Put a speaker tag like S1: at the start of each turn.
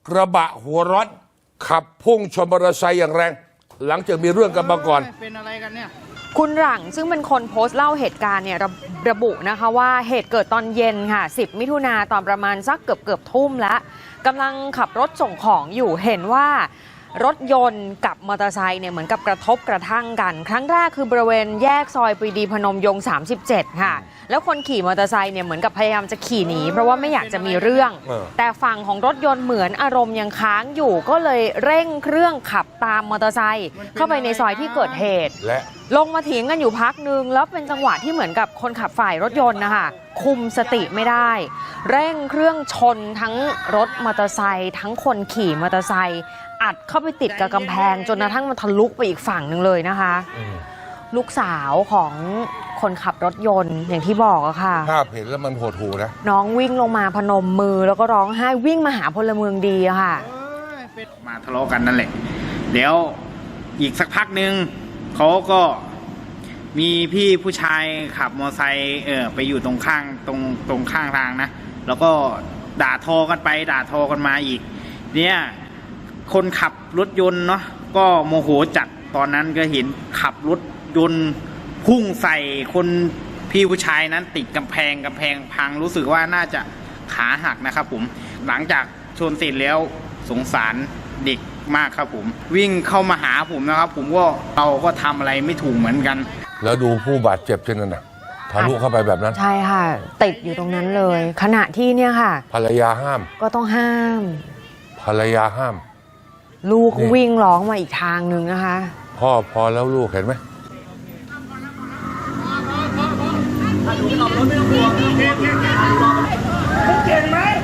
S1: กระบะหัวร้อนขับพุ่งชนมอเตอร์ไซค์อย่างแรง หลังจากมีเรื่องกันมาก่อน
S2: เป็นอะไรกันเนี่ย
S3: คุณหลังซึ่งเป็นคนโพสต์เล่าเหตุการณ์เนี่ยระบุนะคะว่าเหตุเกิดตอนเย็นค่ะ10 มิถุนาตอนประมาณสักเกือบทุ่มแล้วกำลังขับรถส่งของอยู่เห็นว่ารถยนต์กับมอเตอร์ไซค์เนี่ยเหมือนกับกระทบกระทั่งกันครั้งแรกคือบริเวณแยกซอยปรีดีพนมยงค์37ค่ะแล้วคนขี่มอเตอร์ไซค์เนี่ยเหมือนกับพยายามจะขี่หนีเพราะว่าไม่อยากจะมีเรื่องแต่ฝั่งของรถยนต์เหมือนอารมณ์ยังค้างอยู่ก็เลยเร่งเครื่องขับตามมอเตอร์ไซค์เข้าไปในซอยที่เกิดเหตุและลงมาเถียงกันอยู่พักนึงแล้วเป็นจังหวะที่เหมือนกับคนขับฝ่ายรถยนต์นะคะคุมสติไม่ได้เร่งเครื่องชนทั้งรถมอเตอร์ไซค์ทั้งคนขี่มอเตอร์ไซค์อัดเข้าไปติดกับกำแพงจนกระทั่งมันทะลุไปอีกฝั่งหนึ่งเลยนะคะลูกสาวของคนขับรถยนต์อย่างที่บอกอะค่ะ
S1: ภาพเห็นแล้วมันโหดหูนะ
S3: น้องวิ่งลงมาพนมมือแล้วก็ร้องไห้วิ่งมาหาพลเมืองดีอะค่ะ
S2: มาทะเลาะกันนั่นแหละเดี๋ยวอีกสักพักหนึ่งเขาก็มีพี่ผู้ชายขับมอเตอร์ไซค์ไปอยู่ตรงข้างทางนะแล้วก็ด่าทอกันไปด่าทอกันมาอีกเนี่ยคนขับรถยนต์เนาะก็โมโหจัดตอนนั้นก็เห็นขับรถยนต์พุ่งใส่คนพี่ผู้ชายนั้นติดกำแพงพังรู้สึกว่าน่าจะขาหักนะครับผมหลังจากชนเสร็จแล้วสงสารเด็กมากครับผมวิ่งเข้ามาหาผมนะครับผมก็เราก็ทำอะไรไม่ถูกเหมือนกัน
S1: แล้วดูผู้บาดเจ็บเช่นนั้นนะทะลุเข้าไปแบบนั้น
S3: ใช่ค่ะติดอยู่ตรงนั้นเลยขณะที่เนี่ยค่ะ
S1: ภรรยาห้าม
S3: ก็ต้องห้าม
S1: ภรรยาห้าม
S3: ลูกวิ่งร้องมาอีกทางหนึ่งนะคะ
S1: พ่อพอแล้วลูกเห็นไหม
S2: เก่งไหม